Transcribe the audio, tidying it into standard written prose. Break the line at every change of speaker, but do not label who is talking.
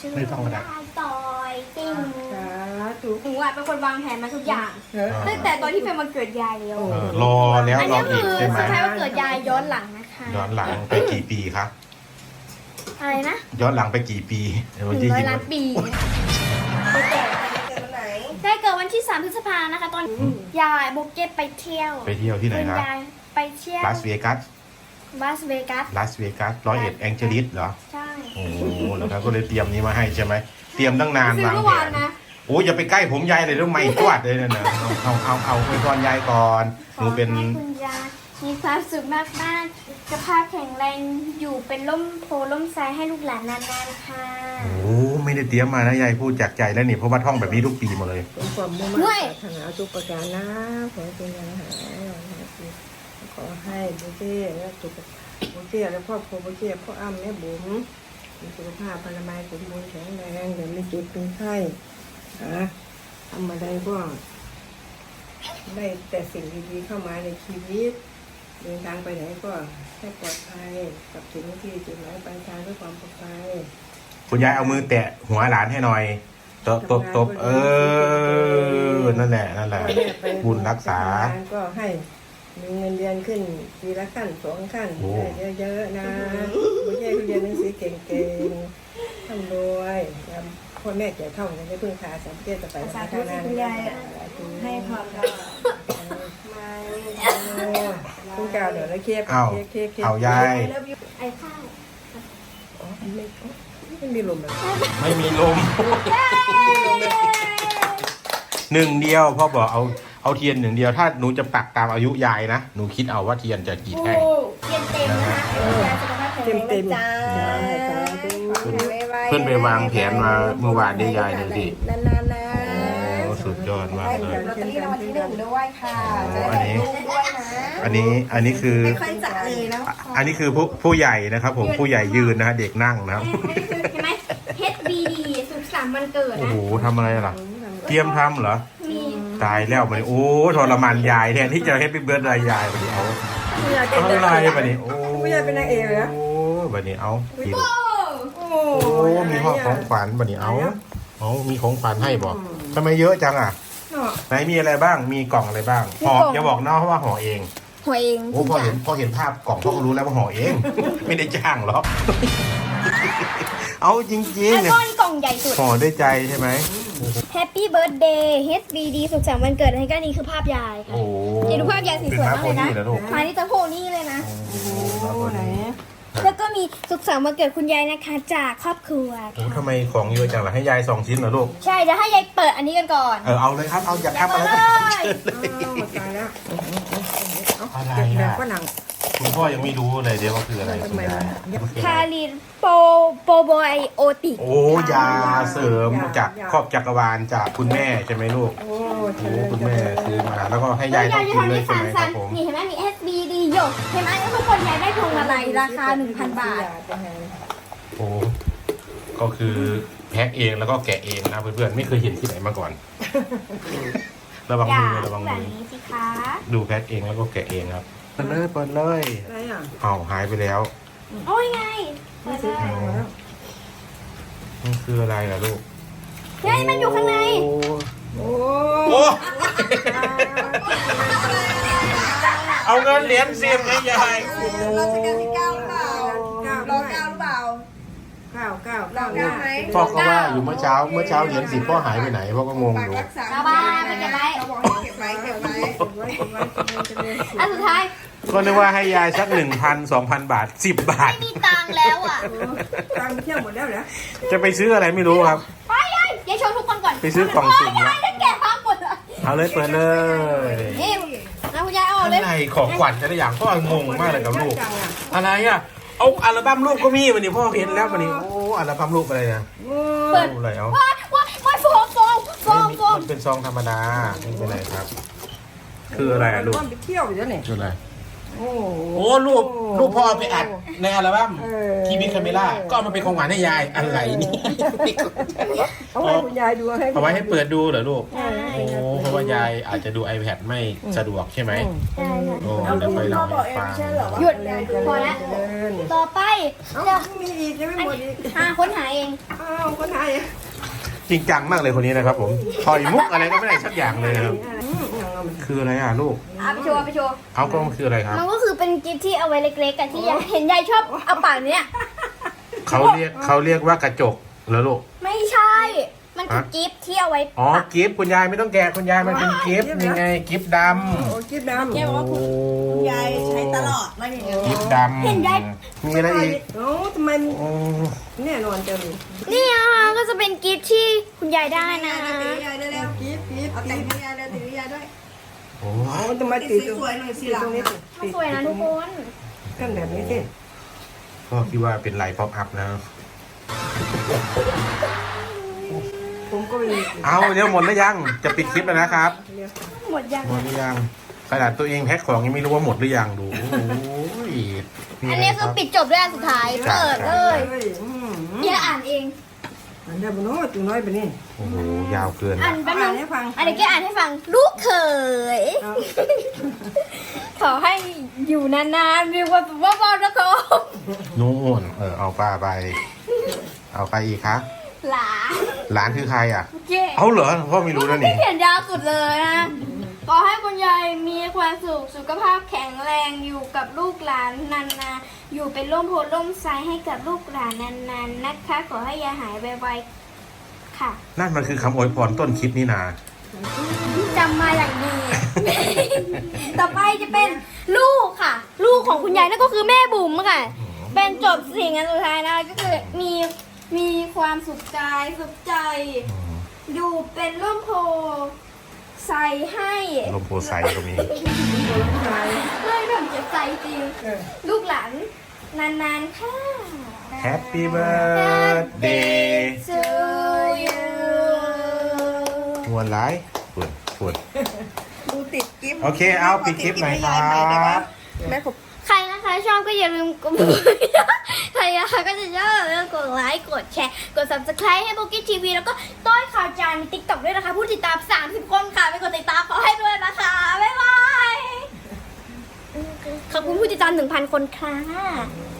ไม่ต้องก็ได้
ต่อยจริง
สาธุ
หนูอ่ะเป็นคนวางแผนมาทุกอย่างตั้งแต่ตอนที่เป็นวันเกิดยายแล้ว
รอแล้ว
อัน
รอ
นี้
อีก
คือ
ใช่ไหม
เซอร์ไพรส์วันเกิดยายย้อนหลังนะคะ
ย้อนหลังไปกี่ปีครับ
อะไรนะ
ย้อนหลังไปกี่ปีเดี๋ยววันที่
100 ล้านปีได้เกิดวันที่ 3 พฤษภานะคะ ตอนยายโบเกตไปเที่ยว
ไปเที่ยวที่ไหนครับ
ณยายไปเที่ยว
ลาสเวกัส
ลาสเวกัส
ลาสเวกัส101แองเจลิสเหรอ
ใช่
โอ้โหแล้วครับก็เลยเตรียมนี้มาให้ใช่ไหมเตรียมตั้งนาน
ซื้อ
วาง
เมื่อ
แผ
วาน
น
นะ
โอ้ยอย่าไปใกล้ผมยายเลยต้องไม่จวดเลยนะเอาไปก่อนยายก่อนหนูเป็น
ขอให้คุณยายมีความสุขมากๆสุขภาพแข็งแรงอยู่เป็นร่มโพล่มไทรให้ลูกหลานนานๆค่ะ
โอ้ไม่ได้เตรียมมานะยายพูดจากใจแล้วนี่เพราะว่าท่องแบบนี้ทุกปีหมดเลย
เป็นความมุ่งมั่นปรารถนาทุกประการนะขอให้เป็นอย่างหายขอให้บุเจ้และสุขบุเจ้และครอบครัวบุเจ้พ่ออ้ำแม่บุ๋มมีสุขภาพพลามัยสมบูรณ์แข็งแรงอย่าไม่เจ็บเป็นไข้ทำอะไรก็ได้แต่สิ่งดีๆเข้ามาในชีวิตเดินทางไปไหนก็ให้ปลอดภัยกับถึงที่จุดหมายปลายทางด้วยความปลอดภัย
คุณยายเอามือแตะหัวหลานให้หน่อยตบนั่นแหละบุญรักษา
ก็ให้มีเงินเดือนขึ้นปีละขั้น2 ขั้น
โอ้
ได้เยอะๆนะไม่ใช่เรียนหนังสือเก่งๆทำรวยพ่อแม่เกี่ยวท่องจะได้พึ่งพาสามเจ้จะไปทางนั้นให้พรเราคุณกาวเดี๋ยวเราเค้ก
เอายาย
ไอ้ข้าว
ไม่มีลมเลย
ไม่มีลมหนึ่งเดียวพ่อบอกเอาเทียนหนึ่งเดียวถ้าหนูจะปักตามอายุยายนะหนูคิดเอาว่าเทียนจะกี่แท่ง
เต็มเต็มนะคะยายสุขภาพแข็งแรงนะจ้า
เพื่อนไปวางแผนมาเมื่อวานได้ยายเลยดิ
นานๆนะ
โอ้สุดยอดมากเลย
ลอตเตอรี่รางวัลที่1ด้วยค่ะ
โอ้
จะ
อัน
ได้
นี้
ลูกด้วยนะ
อันนี้คือ
ไม่ค่อยจะเลยนะ
อันนี้คือผู้ใหญ่นะครับ ผมผู้ใหญ่ยืนนะฮะเด็กนั่งนะครับ
เห็นไหม HBD สุขสันต์วันเกิด
โอ้
นะ
โหทำอะไรล่ะ เตรียมทำเหรอ
มี
ตายแล้วบัดนี้โอ้ทรมานยายแทนที่จะให้เป็นเบิร์ดรายยายบัดนี้เอาอะไรบัดนี้โอ้
ไม่อยากเป็นนางเอกเหรอ
โอ้บัดนี้เอาผิด
โอ้
โอ้
โอ้มีของขวัญบัดนี้เอามีของขวัญให้บอกทำไมเยอะจังอ่ะไหนมีอะไรบ้างมีกล่องอะไรบ้างห่ออย่าบอกนะว่าห่อเอง
หัวเอง
โอ้พอเห็นภาพกล่องพ่อก็รู้แล้วว่าห่อเอง ไม่ได้จ้างหรอกเอาจริง
แล้ว
ๆเนี่ย
ก้อนกล่องใหญ่สุด
ห่อด้วยใจใช่ไหม
Happy Birthday HBD สุขสันต์วันเกิดให้ก็นี่คือภาพยายค่ะ
โอ้
เดี๋ยวดูภาพยายสีสวยมากเลยนะ
เป็นภาพโพนี่เหรอลูก
มาที่ตะโพนี่เลยนะ
โหไหน
แล้วก็มีสุขสันต์วันเกิดคุณยายนะคะจากครอบครัว
โอ้ทำไมของเยอะจังล่ะให้ยาย2 ชิ้นเหรอลูก
ใช่เดี๋ยวให้ยายเปิดอันนี้กันก่อน
เอาเลยครับเอาอยากทำอะไรก็
เลย
เชิญเลย
ตายแล้ว
อะไร
แบ
อ่ะ
บฝรั่ง
คุณพ่อยังไม่รู้เลยเดี๋ยวว่าคืออะไรคุณยาย
คารินโปรไบโอติก
โอ้ยาเสริมจากครอบจักรวาลจากคุณแม่ใช่ไหมลูก
โอ้
โอ้คุณแม่ซื้อมาแล้วก็ให้ยายต้องกินเลยใช่ไหมครับผม
นี่เห็นไหมมี SBD หยกเห็นไหมทุกคนยายได้พวงมาลัยราคา 1,000 บาท
โอ้ก็คือแพ็คเองแล้วก็แกะเองนะเพื่อนๆไม่เคยเห็นที่ไหนมาก่อน ระวัง
อย่า
มือระวัง
แบ
มื
บ
อ
นี้สิคะ
ดูแพ็คเองแล้วก็แกะเองครับเปิดเลย
อะไรอ่ะ
เอาหายไปแล้ว
โอ้ยไงเปิดเลย
มันคืออะไรล่ะลูก
ยายมันอยู่ข้างใน
โอ้
โอ้เอาเงินเหรียญ10ให้ยาย
เราจะกันที่9หรือเปล่ารอ9หรือเปล่า
เก้า
เก้าไหม
พ่อก็ว่าอยู่เมื่อเช้าเหรียญ10พ่อหายไปไหนพ่อก็งง
ฝาก
อยู่
รักษา
เอาบ้าไปเก็บไว้
เขาบอกให้เก็บไว้เก็บไว้
อันสุดท้าย
ก็นึกว่าให้ยายสัก 1,000-2,000 บาท10 บาท
ไม่มีตังค์แล้วอ่ะ
ตังเที่ยวหมดแล้วเหรอ
จะไปซื้ออะไรไม่รู้ครับ
ไปยายโชว์ทุกคนก่อน
ไปซื้อกล่องสุ่ม
โย
ละ
ยายได้แกะพังหมดเลย
เอาเลยเปิดเลย
นี่นะคุณยายเอาออกเลย
อะไรของขวัญแต่ละอย่างพ่องงมากเลยกับลูก อะไรอ่ะเอาอัลบั้มรูปก็มีวันนี้พ่อเห็นแล้ววันนี้โอ้อัลบั้มรูปอะไรนะ
เปิด
อะไรเอา
ว้ายโฟม
มันเป็นซองธรรมดาไม่เป็นไรครับ คืออะไรอะลูก
ไปเที่ยวอยู่แล้วเนี่ย
คืออะไร
โอ้โห
โอ้รูปพ่อเอาไปอัดในอัลบั้ม
เออ
ทีวีคาเมล่าก็เอามาเป็นของขวัญให้ยายอะไรนี่
เอาไว้คุณยายดูให้
เอาไว้ให้เปิดดูเหรอลูก
ใช่
โอ้เพราะว่ายายอาจจะดู iPad ไม่สะดวกใช่ไหม
ใช่ค่ะ
โอ้เดี๋ยวค่อยเล่าให้ฟัง
หยุดพอแล้ว ต่อไป
เอ้า
เดี๋ยว
มีอีกยังไม่หมดอีก
ค้นหาเอง
อ้าวคนไทยอ่ะ
จริงจังมากเลยคนนี้นะครับผมถอยมุกอะไรก็ไม่ได้สักอย่างเลยนะครับคืออะไรอ่ะลูก
ไปโชว์ไปโชว์
เอากล้องคืออะไรครับ
มันก็คือเป็นกิฟต์ที่เอาไว้เล็กๆกันที่ยายเห็นยายชอบเอาปากเนี้ย
เขาเรียกว่ากระจกเหรอลูก
ไม่ใช่ มันคือกิฟต์ที่เอาไว้
อ๋อกิฟต์คุณยายไม่ต้องแกะคุณยายมันเป็นกิฟต์ยังไงกิฟต์ด
โอ้กิ๊บดำ
แกบอกว่าคุณยายใช้ตลอดว่าอย่างเงี้ย
ำกิฟต์ดำมีอะไรอีก
โอ้ทำไม
โอ้
แน่นอนจังเลย
นี่นะคะก็จะเป็นกิฟต์ที่คุณยายได้นะ
ตียายได้แล้ว
กิ๊บกิ๊บ
เอาแต่งให้ยายได้ตียายด้วย
โห
โอ้ทำไม
ติ
ติ
ด
ด
สวยๆหน่อยสิหลั
ตรง งนี้
มันสวยนะทุกคน
กันแบบนี้สิ
ก็คิดว่าเป็นไลน์ป๊อปอัพนะ
ผมก็มี
เอาเดี๋ยวหมดแล้วยังจะปิดคลิปแล้วนะครับ
หมดยัง
หมดหรือยังขนาดตัวเองแพ็คของยังไม่รู้ว่าหมดหรือยังดูโอ้ย
อันนี้คือปิดจบด้วยอันสุดท้ายเปิดเลย อย่าอ่านเอง
อันเดียวบนโน้ตตัวน้อยไปนี่
โอ้โหยาวเกิน
อ่า
อะ
นแป๊บ
อ่า
นึ
น
ง
ให้ฟัง
อันนี้แกอ่านให้ฟัง ลูกเขย
เอา
ขอให้อยู่นานๆมีความสุขมากๆนะครับ
นู่นเอาป้าไป เอาใครอีกคะ
หลาน
หลานคือใครอ่ะ
เจ๊
เอาเหรอพ่อไม่รู้นะ
ที่
นี่
เขียนยาวสุดเลยนะ ขอให้คุณยายมีความสุขสุขภาพแข็งแรงอยู่กับลูกหลานนานๆอยู่เป็นร่มโพล่มไทรให้กับลูกหลานนานๆนะคะ ขอให้ยายหายไวๆค่ะ
นั่นมันคือคำอวยพรต้นคลิปนี่นา
จำมาอย่างดี ต่อไปจะเป็นลูกค่ะ ลูกของคุณยายนั่นก็คือแม่บุ๋มค่ะ เป็นจบสิ่งอันสุดท้ายนะก็คือมีความสุขใจสุขใจ อยู่เป็นร่มโพใส่ให้
ลมโพไซก็มี
ไม่แบบจะใส่จริง ลูกหลานนานๆค่ะ
Happy birthday
to you
มวนร้ายปวด
ดูติดกิ๊บ
โอเคเอาปิดคลิปหน่อยครับ
แม่ขบ
ใครนะคะชอบก็อย่าลืมกด ใครนะคะก็จะชอบอย่าลืมกดไลค์กดแชร์กด subscribe ให้โบกี้ทีวีแล้วก็ต้อยข่าวจานใน TikTok ด้วยนะคะ ผู้ติดตาม 30 คนค่ะไปกดติดตามเขาให้ด้วยนะคะ บ๊ายบาย ขอบคุณผู้ติดตาม 1,000 คนค่ะ